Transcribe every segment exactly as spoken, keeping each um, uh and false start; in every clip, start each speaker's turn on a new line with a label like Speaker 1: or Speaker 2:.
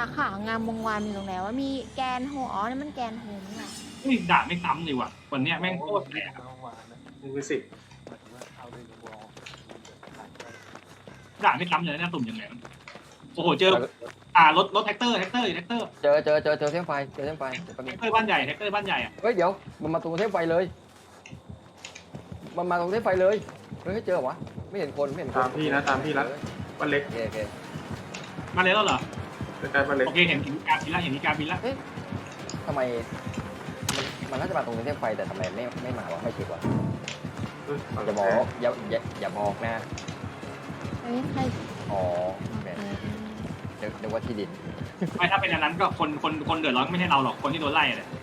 Speaker 1: ขางามวงวานมีตรงไหนว่ามีแกนโฮอ๋อนี่มันแกนโฮนี่แหละ
Speaker 2: นี่ด่าไม่ซ้ำเลยว่ะวันเนี้ยแม่งโคตรแรง
Speaker 3: มึงไปสิ
Speaker 2: ด่าไม่ซ้ำเลยนะตุ่มยังไงโอ้โหเจออ่ารถรถแท็กเตอร์แท็กเตอร์แท็กเตอร์
Speaker 4: เจอเจอเจอเจอเส้นไฟเจอเส้นไฟเดี๋ยวแป๊บนึ
Speaker 2: แท็
Speaker 4: ง
Speaker 2: กเตอร์บ้านใหญ่แท็กเตอร์บ้านใหญ่อะ
Speaker 4: เฮ้ยเดี๋ยวมันมาตรงเส้นไฟเลยมันมาตรงเส้นไฟเลยเฮ้ยเจอวะไม่เห็นคนไม่เห็นคน
Speaker 3: ตามพี่นะตามพี่ละบ้านเล็ก
Speaker 4: โอเคโอเค
Speaker 2: มาเลยแล้วเหรอ
Speaker 3: ใกล้ๆบ้านเล็ก
Speaker 2: โอเคเห็นเห็นการบินละเห็นการบินละ
Speaker 4: ทำไมมันมันน่าจะมาตรงเส้นไฟแต่ทำไมไม่ไม่มาวะไม่เช็ควะ
Speaker 3: เฮ้ยฝั่ง
Speaker 4: อย่าบอกอย่าอย่าอย่าบอกนะ
Speaker 1: เฮ้ยใคร
Speaker 4: อ๋อ
Speaker 1: เอ
Speaker 4: แหม
Speaker 1: อ
Speaker 4: เดี๋ยวเดี๋ยวว่าที่ดิน
Speaker 2: ไม่ถ้าเป็นอันนั้นก็คนคนคนเดือดร้อนไม่ใช่เราหรอกคนที่โดนไล่เลย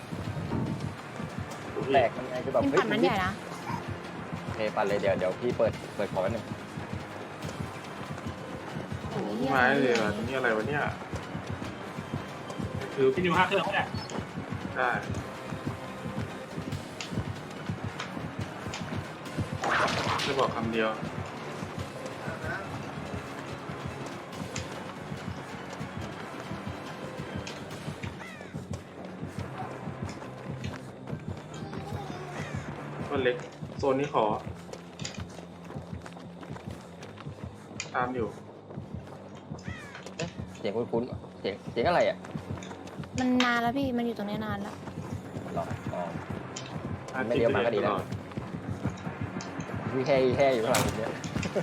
Speaker 4: แตกมันไงคือแบบ
Speaker 1: เป็น
Speaker 4: เฮ้ย
Speaker 1: ฝันมันใหญ่นะ
Speaker 4: โอเคปันเลยเดี๋ยวเดี๋ยวพี่เปิดเปิดขอแป๊บนึง
Speaker 1: โอ้ย
Speaker 3: ไม้เลยว่ะนี่อะไรวะเนี่ยคือ
Speaker 2: พี่นิวห้าเครื่องเขาเนี่ย
Speaker 3: ได้จะบอกคำเดียวบ้านเล็กโซนนี้ขอตามอยู่
Speaker 4: เสียงคุ้นๆเสียงเสียงอะไรอ่ะ
Speaker 1: มันนานแล้วพี่มันอยู่ตรงนี้นานแล้ว
Speaker 4: หรออ๋อ
Speaker 3: อา
Speaker 4: ไม่เลี้ยวมาก็ดีแล้ว
Speaker 3: ตอ
Speaker 4: มีแค่แค่อยู่ข้างหลังเนี้ย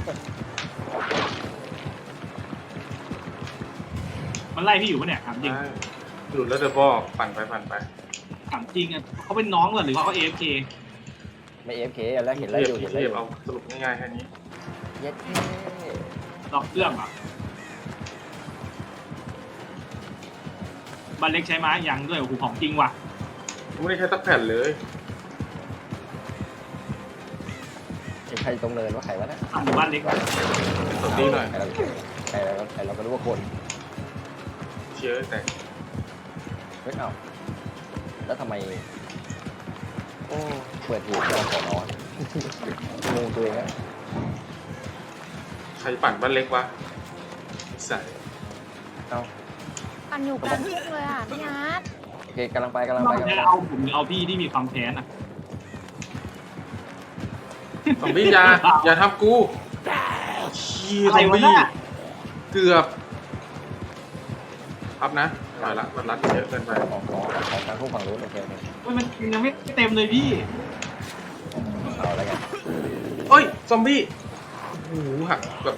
Speaker 2: มันไล่พี่อยู่ปะเนี่ยถามจริง
Speaker 3: ใช่หลุดแล้วเดี๋ยวบอกปั่นไปปั่นไป
Speaker 2: ถามจริงอะเขาเป็นน้องเหรอหรือว่าเขาเอฟเค
Speaker 4: ไม่เอฟเคแล้วเห็นแล้วอยู่เห็นแล้วอยู่
Speaker 3: เอาสรุปง่ายๆแค่นี้
Speaker 4: เย็ดเท่
Speaker 2: ล็อกเครื่องเหรอบันเล็กใช้ไม้ยังด้วยโอ้โหของจริงว่ะ
Speaker 3: ไม่ได้ใช้ตักแผ่นเลย
Speaker 4: เห็นใครตรงเนินว่าใครวะนะ
Speaker 2: ทำหมู่บ้านเล็ก
Speaker 3: สดดีหน่อย
Speaker 4: ใครเราใครเราใครเราก็รู้ว่าคน
Speaker 3: เชื้อแต่
Speaker 4: เฮ้ยเอ้าแล้วทำไมโอ้เปิดหูจอขอนอนงงตัวเองอะ
Speaker 3: ใครปั่นบ้านเล็กวะใส่
Speaker 4: เอ้า
Speaker 1: ปั่นอยู่กลางทุ่งเลยอ่ะพี่นัท
Speaker 4: โอเคกำลังไปกำลัง
Speaker 2: เรา
Speaker 4: ไปกำลัง
Speaker 2: จะ
Speaker 4: ไป
Speaker 2: เอาผมหรือเอาพี่ที่มีความแค้นอะ
Speaker 3: ซอมบี้อยาอย่าทำกูชี้ซอมบี้เกือบครับนะไปละมันรัดเยอะเกินไป
Speaker 4: ของของของทางผู้ฝั่งนู้นโอเคโอเค
Speaker 2: เฮ้ยมันยังไม่เต็มเลยพี่
Speaker 4: เอาอะไรกัน
Speaker 3: เอ้ยซอมบี้โอ้โหหักแบบ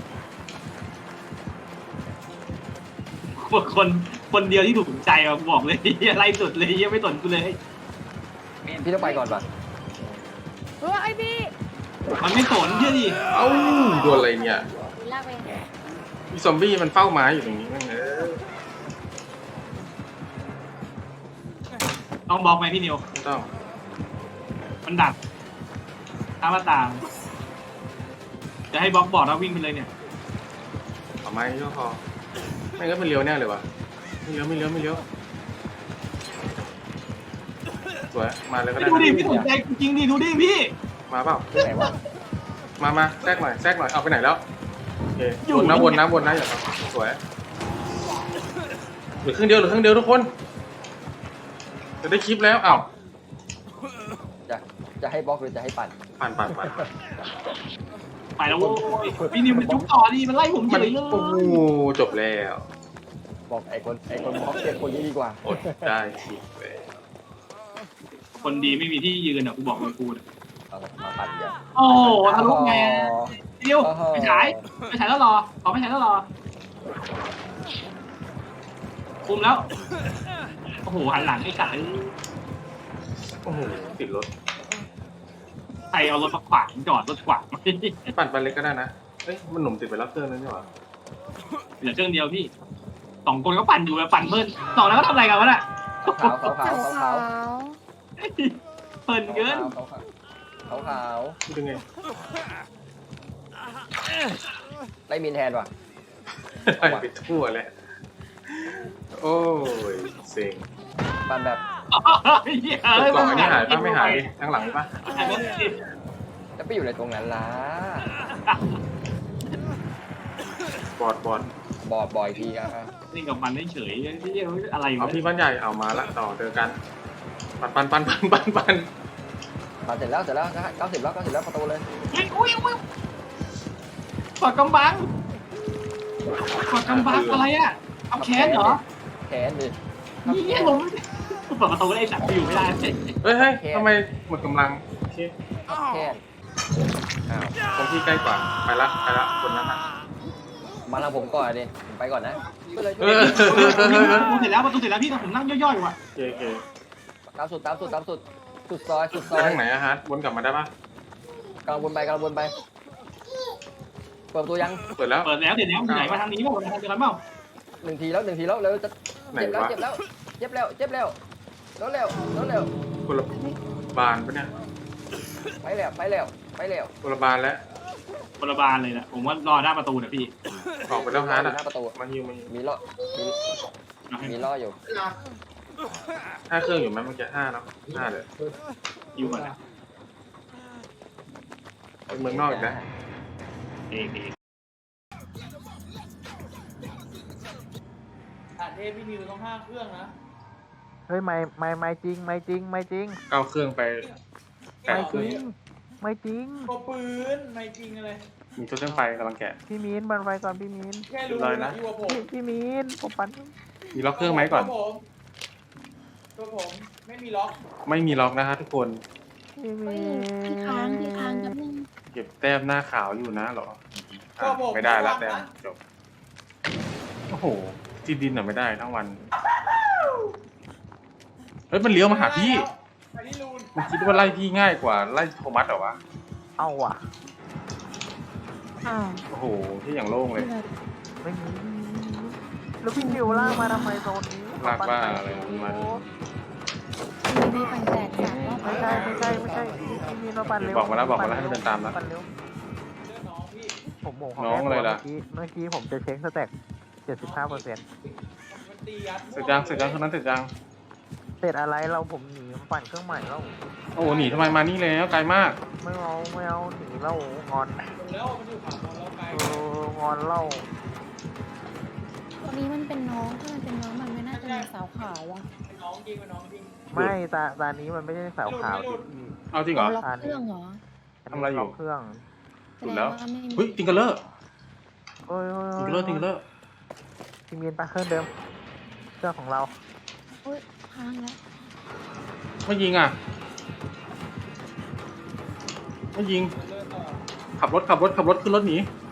Speaker 2: คนคนคนเดียวที่ถูกใจอะบอกเลยไล่สุดเลยยังไม่สนกูเลย
Speaker 4: พี่ต้องไปก่อนป่ะ
Speaker 1: เฮ้ยไอพี่
Speaker 2: มันไม่สนเชื่อดิ
Speaker 3: เอ้าโดนอะไรเนี่ย
Speaker 1: ลากไป
Speaker 3: มีซอมบี้มันเฝ้าไม้อยู่ตรงนี้นั่นเออ
Speaker 2: ต้องบอกไหมพี่นิว
Speaker 3: ไม่ต้อง
Speaker 2: มันดักข้ามหน้าต่างจะให้บล็อกบอร์ดแล้ววิ่งไปเลยเนี่ย
Speaker 3: เอาไม้ก็พอไม่งั้นมันเลี้ยวแน่เลยวะไม่เลี้ยวไม่เลี้ยวไม่เลี้ยวสวยมาเลยก็ได้
Speaker 2: ดูดิ
Speaker 3: นะ
Speaker 2: พี่สนใจจริงดิดูดิพี่
Speaker 3: มาเปล่า
Speaker 4: ที่ไหนวะ
Speaker 3: มามาแทรกหน่อยแทรกหน่อยเอาไปไหนแล้วโอเควนนะวนนะวนนะอย่าครับสวยเหลือครึ่งเดียวเหลือครึ่งเดียวทุกคนจะได้คลิปแล้วอ้าว
Speaker 4: จะจะให้บล็อกหรือจะให้ปั่น
Speaker 3: ปั่นปั่นปั่น
Speaker 2: ไปแล้วโว้ยพี่นิวมันจุกต่อดิมันไล่ผมเฉ
Speaker 3: มัน
Speaker 2: ยเลย
Speaker 3: โอ้โหจบแล้ว
Speaker 4: บอกไอ้คนไอ้คนบล็อกเจ็บคนนี้ดีกว่า
Speaker 3: อดได้คลิปเลย
Speaker 2: คนดีไม่มีที่ยืนอ่ะกูบอกเลยกูเนี่ย
Speaker 4: เอามาปั่นเดี๋ยว
Speaker 2: โอ้ทะลุแมนิวไปฉายไปฉายแล้วรอขอไปฉายแล้วรอคุมแล้วโอ้โหหันหลังไอ้กาย
Speaker 3: โอ้โหติดรถ
Speaker 2: ใครเอารถมาขวางจอดรถขวาง
Speaker 3: ปั่นไปเล็กก็ได้นะเอ้ยมันหนุ่มติดไปแล้วเครื่องนึงนี่หว่า
Speaker 2: เหลือเครื่องเดียวพี่สองคนก็ปั่นอยู่แบบปั่นเพิ่นสองแล้วก็ทำอะไรกันวะน่ะ
Speaker 4: ขาวขาวขาวขาวขาว
Speaker 2: เพลินเกิน
Speaker 4: ขาวขาวขาว
Speaker 3: พูดยังไง
Speaker 4: ไล่มินแทนว่ะ
Speaker 3: ไปทั่วแหละโอ้ยเซ็ง
Speaker 4: ปั่นแบบ
Speaker 3: กล่องอันนี้หายปะไม่หายข้างหลังปะ
Speaker 4: จะไปอยู่ในตรงนั้นล่ะ
Speaker 3: บอดบอด
Speaker 4: บอดบ่อยทีอ่ะ
Speaker 2: นี่กับมันเฉยที่อะไร
Speaker 3: เอาพี่บ้านใหญ่เอามาละต่อเจอกันปันปันปันปันปันปัน
Speaker 4: มาเสร็จแล้วเสร็จแล้วเก้าสิบแล้วเก้าสิบแล้วประตูเลย
Speaker 2: อุ้ยอุ้ยกดกำบังกดกำบังอะไรอ่ะเอาแขนเหรอ
Speaker 4: แขนดิ
Speaker 2: นี่ผมเปิดประตูได้จับอยู่ไม่ได้
Speaker 3: เฮ้ยเฮ้ยทำไมหมดกำลังโอเค
Speaker 4: แขนอ้าว
Speaker 3: ตรงที่ใกล้กว่าไปละไปละคนนั้นอ่ะ
Speaker 4: มาทางผมก่อนดิผมไปก่อนนะไปเลย
Speaker 3: เออ
Speaker 2: ประตูเสร็จแล้วประตูเสร็จแล้วพี่แต่ผมนั่งย่อยๆอยู่อ่ะ
Speaker 3: โอเคโอเค
Speaker 4: ตามสุดตามสุดตามสุดสุดซอยสุดซ
Speaker 3: ไป
Speaker 4: อย
Speaker 3: ทางไหนอะฮะวนกลับมาได้ปะ
Speaker 4: กำลังวนไปกำลังวนไปเปิดประตูยัง
Speaker 3: เปิดแล้ว
Speaker 2: เปิดแล้วเดี๋ยวไหนมาทางนี้เปล่าทางเดียวกันเปล่า
Speaker 4: หนึ่งทีแล้วหนึ่งทีแล้วเร็วจะ
Speaker 3: ไหน
Speaker 4: เจ็บแล้ว
Speaker 3: วะ
Speaker 4: เจ็บแล้วเจ็บแล้วเจ็บแล้วแล้วเร็วแล้วเร็ว
Speaker 3: คนละบานปะเนี่ย
Speaker 4: ไปแล้วไปแล้วไปแล้ว
Speaker 3: คนละบานแล้ว
Speaker 2: คนละบานเลยนะผมว่ารอหน้าประตูเนี่ยพี่
Speaker 3: ออกไปแล้วฮะ
Speaker 4: ห
Speaker 3: น่ะ
Speaker 4: น้าประตู
Speaker 3: มาฮิวมาฮิว
Speaker 4: มีล้อมีมีล้ออยู่
Speaker 3: ห้าเครื่องอยู่ไหมเมื่อกี้ห้าเนาะห้าเลย
Speaker 2: อยู่ก่อนนะ
Speaker 3: ไปเมืองนอกอีกนะ
Speaker 2: เองเอง
Speaker 5: อ่ะเทพพี่นิวต้องห้าเครื่องนะ
Speaker 6: เฮ้ยไม่ไม่ไม่จริงไม่จริงไม่จริง
Speaker 3: เก้าเครื่องไปแปด
Speaker 6: ไม่
Speaker 3: เค
Speaker 6: จ
Speaker 3: รื่อง
Speaker 6: ริงไม่จริง
Speaker 5: ก็ปืนไม่จริงอะไร
Speaker 3: มีตัวเครื่องไฟกำลังแกะ
Speaker 6: พี่มีนบันไฟก่อนพี่มีน
Speaker 5: แค่รู้
Speaker 3: เรียบร้อยนะ
Speaker 5: นะอยู่กับผม
Speaker 6: พี่พี่มีนผมปั่น
Speaker 3: มีล็อกเครื่องไหมก่อน
Speaker 5: ตัวผมตัวผมไม่มีล็อก
Speaker 3: ไม่มีล็อกนะฮะทุกคน
Speaker 6: พี่
Speaker 1: เฮ้
Speaker 6: มี
Speaker 1: ย
Speaker 6: น
Speaker 1: พี่ค้างพี่ค้างกับนึง
Speaker 3: เก็บแต้มหน้าขาวอยู่นะเหรออ่ะไม่ได้ละแต้มจบโอ้โหที่ดินอ่ะไม่ได้ทั้งวันเฮ้ยมันเลี้ยวมาหาพี่
Speaker 5: ไปที่รูน
Speaker 3: มันคิดว่าไล่พี่ง่ายกว่าไล่โทมัสเหรอวะ
Speaker 6: เอาว่ะ
Speaker 1: อ้าว
Speaker 3: โอ้โหที่อย่างโล่งเลย
Speaker 6: ไม่มีแล้วพี่นิวล่ากมาทำไมโซนนี้
Speaker 3: ลากว่าอะไรมา
Speaker 1: มีปั่นแตกสามรอบ
Speaker 6: ไม่ใช่ไม่ใช่ไม่ใช่พี่มีนมาปั่นเร็ว
Speaker 3: บอกมาแล้วบอกมาแล้วให้มันเดินตามนะ
Speaker 6: ปั่นเร็ว
Speaker 5: เลือกน้องพี่
Speaker 6: ผมบอก
Speaker 3: น้องอะไรล่ะ
Speaker 6: เมื่อกี้เมื่อกี้ผมจะเช็คสแต็กเจ็ดสิบห้าเปอร์เซ็นต์
Speaker 5: มันตียัด
Speaker 3: เสร็จยังเสร็จยังคนนั้นเสร็จยัง
Speaker 6: เสร็จอะไรเราผมหนีมาปั่นเครื่องใหม่แล้ว
Speaker 3: โอ้โหหนีทำไมมานี่แล้วไกลมาก
Speaker 6: ไม่เอาไม่เอาหนีเรางอน
Speaker 5: แล้วมันอยู่ฝั่งเราไกล
Speaker 6: เอองอนเล่า
Speaker 1: ตัวนี้มันเป็นน้องถ้ามันเป็นน้องมันไม่น่าจะมีสาวขาวอ่ะ
Speaker 5: เป็นน้องจริงเป็นน้องจริง
Speaker 6: ไม่ตาตานี้มันไม่ใช่สาวขาวดิพี่
Speaker 3: เอาจริงเหรอ
Speaker 1: ล็อกเครื่องเหรอ
Speaker 3: ทำอะไรอยู่
Speaker 6: ล็กเครื่อง
Speaker 1: แส
Speaker 3: สุด
Speaker 1: ดง
Speaker 3: แล้ว
Speaker 1: ว่าไม่มี
Speaker 3: เฮ้ยติงเกอร์เลอร์
Speaker 6: โอ้ยโอ้ย
Speaker 3: ติงเกอร์เลอร์ติงเกอร์เลอร์
Speaker 6: พี่มีนปะเครื่องเดิมเครื่องของเรา
Speaker 1: อุ้ยค้างแล้ว
Speaker 3: ไม่ยิงอ่ะไม่ยิง
Speaker 5: เลือกต่อ
Speaker 3: ขับรถขับรถขับรถขึ้นรถหนี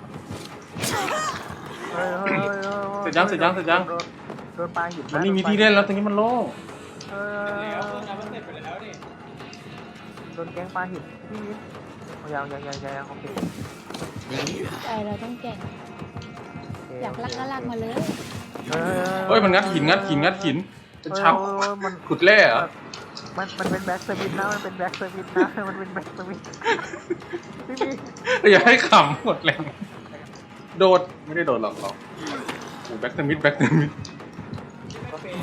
Speaker 6: เฮ้ยเฮ้ยเฮ้ยฮ้ย
Speaker 3: เสร็จยังเสร็จยังเสร็จยัง
Speaker 6: โดนโดนปลาหิน
Speaker 3: มันไม่มีที่เล่นแล้วตรงนี้มันโล่ง
Speaker 6: เอ
Speaker 5: แล้ว
Speaker 6: อ
Speaker 5: เครื่องนั้นมันเสร็จไปแล้วนี่
Speaker 6: โดนแกงปลาหินพี่มินยังยังยังยังโอเค
Speaker 1: ใจเราต้องแก่ง
Speaker 6: โเค
Speaker 1: อยากลักก็ลักมาเลย
Speaker 6: เฮ้ย
Speaker 3: เฮ้ยมันงัดหินงัดหินงัดหินเป็นชับ
Speaker 6: เฮ้ยเฮ้ยมัน
Speaker 3: ขุดแร่เหรอ
Speaker 6: มันมันเป็นแบ็กสวิตนะมันเป็นแบ็กสวิตนะมันเป็นแบ็กสวิตพี่มีน
Speaker 3: อย่าให้ขำหมดแรงโดดไม่ได้โดดหรอกหรอกโอ้แบ็กเตอร์มิดแบ็กเตอร์มิด
Speaker 5: ไม่เป๊ะ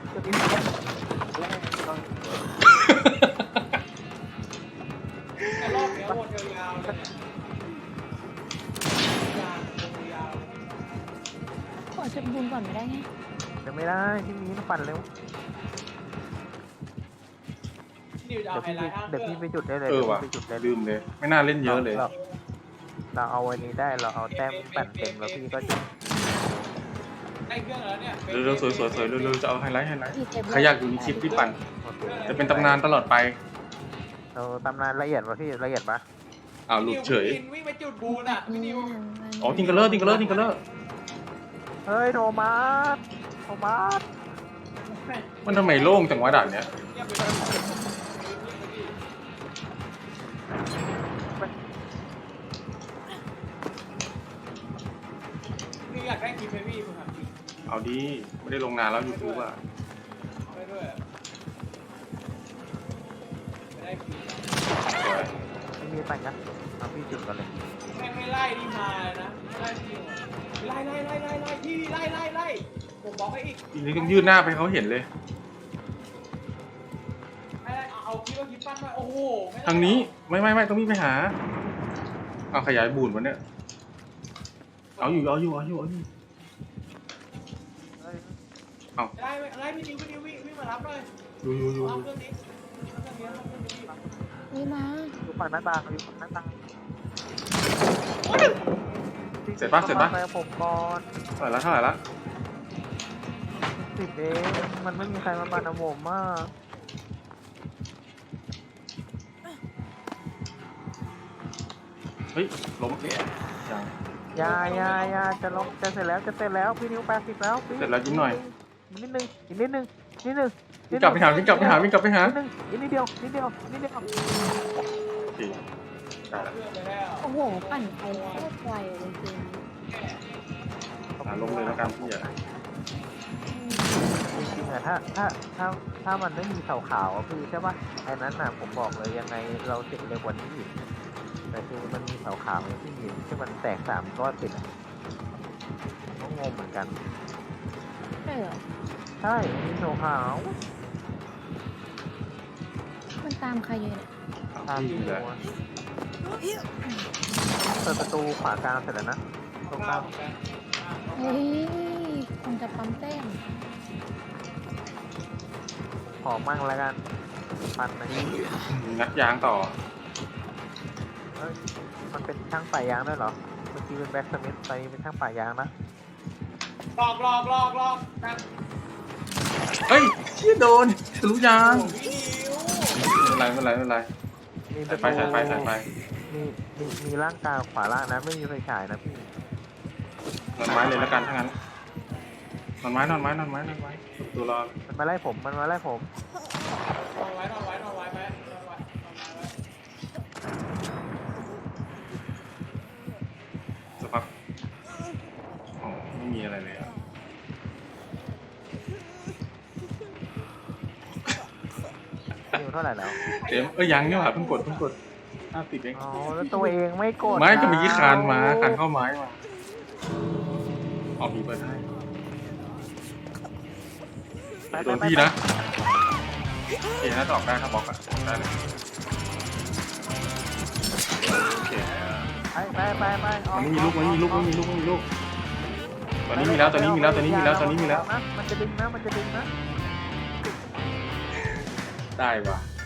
Speaker 5: แต่รอบเนี้ยวนยาวๆเลยเนี่ยยาวๆยาว
Speaker 1: ขอจุดบุญก่อนไม่ได้ไง
Speaker 6: จะไม่ได้พี่มีนปั่นเร็ว
Speaker 5: ๆพี่นิวจะ
Speaker 6: เดี๋
Speaker 5: เอา
Speaker 6: ยว
Speaker 5: ไฮ
Speaker 6: พี่
Speaker 5: ไลท์ห้าเค
Speaker 6: เดี๋ยว
Speaker 5: รื่อง
Speaker 6: พี่ไปจุดได้เลย
Speaker 3: เออ
Speaker 6: เดี๋ยว
Speaker 3: ว่ะ
Speaker 6: พี่ไปจุดได้เลย
Speaker 3: ลืมเลย ไม่น่าเล่นเยอะเลย
Speaker 6: ราเราเอาวันนี้ได้เราเอาแต้มปั่นเต็มแล้วพี่ก็จุด
Speaker 5: ได้เครื่องแล้วเนี่ย
Speaker 3: เร็วๆสวยๆสวยๆเร็วๆจะเอาไฮไลท์ไฮไลท์
Speaker 1: พี่เต็ม
Speaker 3: ใครอยากอยู่ในคลิปที่ปั่น
Speaker 6: โอเค
Speaker 3: จะเป็นตำนานตลอดไป
Speaker 6: เราตำนานละเอียดป่ะพี่ละเอียดปะ
Speaker 3: อ้าวหลุดเฉย
Speaker 5: นิววิ่งไปจุดบูนอ่ะพี่นิว
Speaker 3: อ๋อทิงเกอร์เลอร์ทิงเกอร์เลอร์ทิงเกอร์เลอร์
Speaker 6: เฮ้ยโทมัสโทมัส
Speaker 3: มันทำไมโล่งจังวะด่านเนี้ย
Speaker 5: เงียบไปเลยพี่อยากได้คลิปไหมพี่คุณถามจริง
Speaker 3: เอาดีไม่ได้ลงนานแล้วยูทูบอ่ะ
Speaker 5: เอาได้ด้วยอะไม่ได้คลิป
Speaker 3: สวย
Speaker 6: ไม่มีปั่นกันเอาพี่จุดกันเลย
Speaker 5: แม่งไม่ไล่ดีมาเลยนะไล่จริงไล่ไล่ไล่ไล่ไล่พี่ไล่ไล่ไล่ผมบอกให้อีก
Speaker 3: ทีนี้ต้องยืดหน้าไปให้เขาเห็นเลย
Speaker 5: ไล่ไล่เอาเอาคลิปว่าคลิปปั้นมาโอ้โหไม่ได้
Speaker 3: ทางนี้ไม่ไม่ไม่ต้องมีไปหา เอาขยายบูนวะเนี่ย เอาอยู่เอาอยู่เอาอยู่เอาอยู่เอา
Speaker 5: ไล่ไล่พี่นิวพี่นิววิ่งวิ่งมารับหน่อย
Speaker 3: อยู่อยู่อยู่
Speaker 5: รับเครื่องนี้รับเครื่องนี้รับเครื่องนี้
Speaker 1: นี่มา
Speaker 6: อยู่ฝั่งหน้าต่างอยู่ฝั่งหน้าต่าง
Speaker 3: เสร็จปะเสร็จปะ
Speaker 6: ไปกับผมก่อน
Speaker 3: เท่าไหร่ละเท่าไหร่ละ
Speaker 6: สิบเองมันไม่มีใครมาปั่นผมมาก
Speaker 3: เฮ้ยล้มยัง
Speaker 6: ยายายาจะลงจะเสร็จแล้วจะเสร็จแล้วพี่นิ้วแปดสิบแล้วพี่
Speaker 3: เสร็จแล้วยิ้มหน่อย
Speaker 6: นิดนึงอีกนิดนึงนิดนึง
Speaker 3: วิ่งกลับไปหาวิ่งกลับไปหาวิ่งกลับไปหา
Speaker 6: นิดนึงอีกนิดเดียวนิดเดียวนิดเดียว
Speaker 3: สี่ได้แล้ว
Speaker 5: เครื่องไปแล้ว
Speaker 1: โอ้โหปั่นไปโคตรไวเลยจริง
Speaker 3: หาล้มเลยแล้วกันพี่อ่ะ
Speaker 6: จริงๆอะถ้าถ้าถ้าถ้ามันไม่มีขาวๆอะคือใช่ปะไอ้นั้นน่ะผมบอกเลยยังไงเราเสร็จเร็วกว่านี้อีกแต่คือมันมีขาวๆที่มีที่มันแตกสามก้อนติดอะก็งงเหมือนกัน
Speaker 1: ใช่เหรอ
Speaker 6: ใช่มีขาว
Speaker 1: มันตามใครอยู่เนี่ย
Speaker 6: ๆตาม
Speaker 3: พี่
Speaker 6: ที่
Speaker 3: เล
Speaker 6: หั
Speaker 3: ยว
Speaker 6: เปิดประตูขวากลางเสร็จแล้วนะตรงกลาง
Speaker 1: เฮ้ยคงจะปั๊มแต้ม
Speaker 6: ขอมั่งแล้วกันพันนะ
Speaker 3: งัดยางต่อ
Speaker 6: เอ้ยมันเป็นช่างป่ายางด้วยเหรอเมื่อกี้เป็นแบ็กสมิธตอนนี้เป็นช่างป่ายางนะ
Speaker 5: หลอกหลอกหลอกหลอกกัน
Speaker 3: เฮ้ยเชี่ยโดนทะลุยาง
Speaker 5: พี่นิว
Speaker 3: ไม่เป็นไรไม่เป็นไรไม่เป็นไร
Speaker 6: มีป
Speaker 3: สาย
Speaker 6: ระ
Speaker 3: ไฟ
Speaker 6: ตู
Speaker 3: สายไฟสายไฟ
Speaker 6: มีมีมีร่างกายขวาล่างนะไม่มีไฟฉายนะพี่
Speaker 3: นอนไม้เลยแล้วกันถ้างั้นนอนไม้นอนไม้นอนไม้นอนไม้ตัวรอ
Speaker 6: มันมาไล่ผมมันมาไล่ผม
Speaker 5: นอนไว้นอนไว้นอนไว้ไปนอนไว้นอนไว้ไว้
Speaker 3: สักพักอ๋อไม่มีอะไรเลยอะ
Speaker 6: นิวเท่าไหร่แล้ว
Speaker 3: เต็มเอ้ยยังเนี่ยว่ะเพิ่งกดเพิ่งกดห้าสิบเอง
Speaker 6: อ๋อแล้วตัวเองไม่กด
Speaker 3: ไม้ก็เมีกี่
Speaker 6: ะ
Speaker 3: คานมาคานเข้าไม้มาออกมีเปิดให้
Speaker 6: ไป
Speaker 3: โดน
Speaker 6: ไป
Speaker 3: พี่
Speaker 6: ไป
Speaker 3: นะโอเคน่าจะออกได้ถ้าบล็อกอะออกได้เลยโอเค
Speaker 6: ไปไปไปไปออ
Speaker 3: มันไม่มีลูกมันไม่มีลูกมันไม่มีลูกมันไม่มีลูกตอนนี้มีแล้วตอนนี้มีแล้วตอนนี้มีแล้วตอนนี้มีแล้ว
Speaker 6: นะมันจะดึงนะมันจะดึงนะ
Speaker 3: ได้ว่ะ